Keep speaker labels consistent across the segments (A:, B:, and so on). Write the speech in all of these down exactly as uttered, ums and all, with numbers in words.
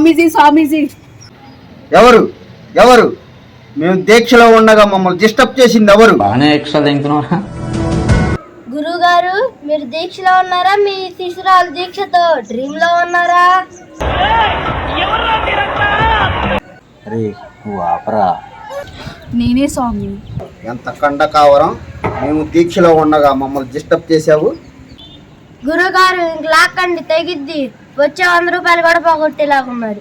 A: స్వామీజీ స్వామీజీ
B: ఎవరు ఎవరు మేము దీక్షలో ఉండగా మమ్మల్ని డిస్టర్బ్ చేసింది ఎవరు?
C: బాగానే ఎక్స్ట్రా తింటున్నారా?
D: గురువు గారు మీరు దీక్షలో ఉన్నారా? మీ శిశురాలు దీక్షతో డ్రీమ్ లో ఉన్నారా?
C: అరే నువ్వు ఆపరా.
A: నేనే స్వామి.
B: ఎంత కండ కావరం, మేము దీక్షలో ఉండగా మమ్మల్ని డిస్టర్బ్ చేసావు.
D: గురువు గారు ఇంక లాక్కండి తెగిద్ది. వచ్చే వంద రూపాయలు కూడా పోగొట్టేలాగున్నారు.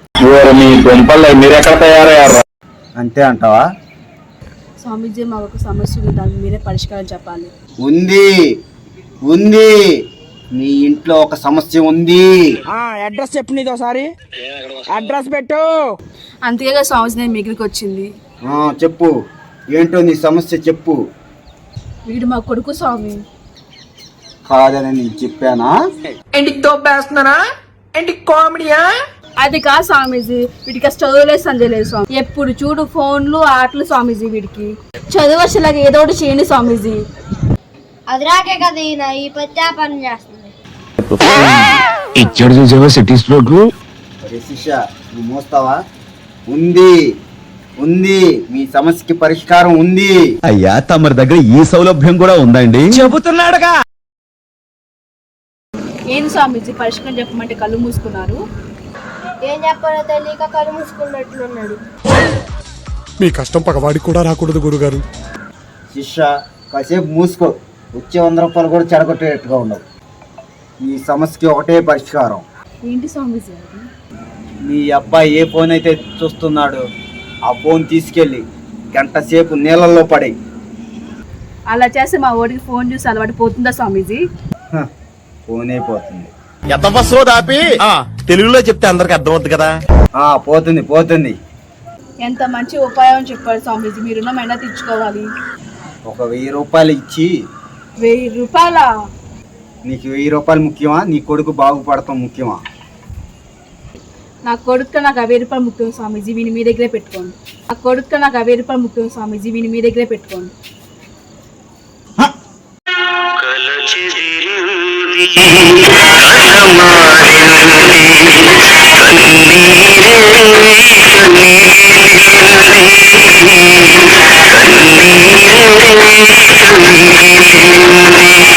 B: అంతే అంటావా?
A: స్వామీజీ మాకు ఒక సమస్య ఉంది, దానికి మీరే పరిష్కారం చెప్పాలి.
B: ఉంది ఉంది మీ ఇంట్లో ఒక సమస్య ఉంది.
E: అడ్రస్ చెప్పు, నీది ఒకసారి అడ్రస్ పెట్టు.
A: అంతేగా స్వామీజీ నేను మీ దగ్గరికి వచ్చింది.
B: ఆ, చెప్పు ఏంటో నీ సమస్య చెప్పు.
A: వీడు మా కొడుకు స్వామి.
B: కాదని నేను చెప్పానా?
E: ఇంటికి తోపేస్తున్నారా? ఇంటికి కామెడీయా?
A: అది కాదు స్వామీజీ, వీడికి చదువులేదు సంజయ్ లేదు స్వామి. ఎప్పుడు చూడు ఫోన్లు ఆటలు స్వామీజీ. వీడికి చదువు వచ్చేలాగా ఏదో ఒకటి చేయండి స్వామీజీ.
D: అది రాకే కదా ఈయన ఈ పని చేస్తుంది.
F: ఇచ్చాడు చూసావా సిటీ స్ట్రోక్.
B: అరే శిష్య, నువ్వు మోస్తావా? ఉంది ఉంది మీ సమస్యకి పరిష్కారం ఉంది.
F: అయ్యా తమరి దగ్గర ఈ సౌలభ్యం కూడా ఉందండి.
E: చెబుతున్నాడుగా.
A: ఏంది స్వామీజీ పరిష్కారం చెప్పమంటే కళ్ళు మూసుకున్నారు?
D: ఏం చెప్పాలో తెలియక కళ్ళు మూసుకున్నట్లున్నాడు.
G: మీ కష్టం పగవాడికి కూడా రాకూడదు గురుగారు.
B: శిష్య కాసేపు మూసుకో. వచ్చే వంద రూపాయలు కూడా చెడగొట్టేట్టుగా ఉండవు. ఈ సమస్యకి ఒకటే పరిష్కారం.
A: ఏంటి స్వామీజీ అది?
B: మీ అబ్బాయి ఏ ఫోన్ అయితే చూస్తున్నాడు ఆ ఫోన్ తీసుకెళ్ళి గంట సేపు నీళ్ళల్లో పడి.
A: అలా చేస్తే మా ఓడికి ఫోన్ చూసి అలవాటు పోతుందా స్వామీజీ?
B: ఫోన్ అయిపోతుంది.
F: తెలుగులో చెప్తే అందరికి అర్థమవుతుంది కదా.
B: ఆ పోతుంది పోతుంది.
A: ఎంత మంచి ఉపాయం చెప్పారు స్వామీజీ. మీరున్న మైనా తెచ్చుకోవాలి.
B: ఒక వెయ్యి రూపాయలు ఇచ్చి.
A: వెయ్యి రూపాయలా?
B: నీకు వెయ్యి రూపాయలు ముఖ్యమా, నీ కొడుకు బాగుపడటం ముఖ్యమా?
A: నా కొడుకు నాకు వెయ్యి రూపాయలు ముఖ్యం స్వామీజీ, వీని మీ దగ్గరే పెట్టుకోండి. నా కొడుకు నాకు వెయ్యి రూపాయలు ముఖ్యం స్వామీజీ, వీని మీ దగ్గరే పెట్టుకోండి.
H: కన్నీరే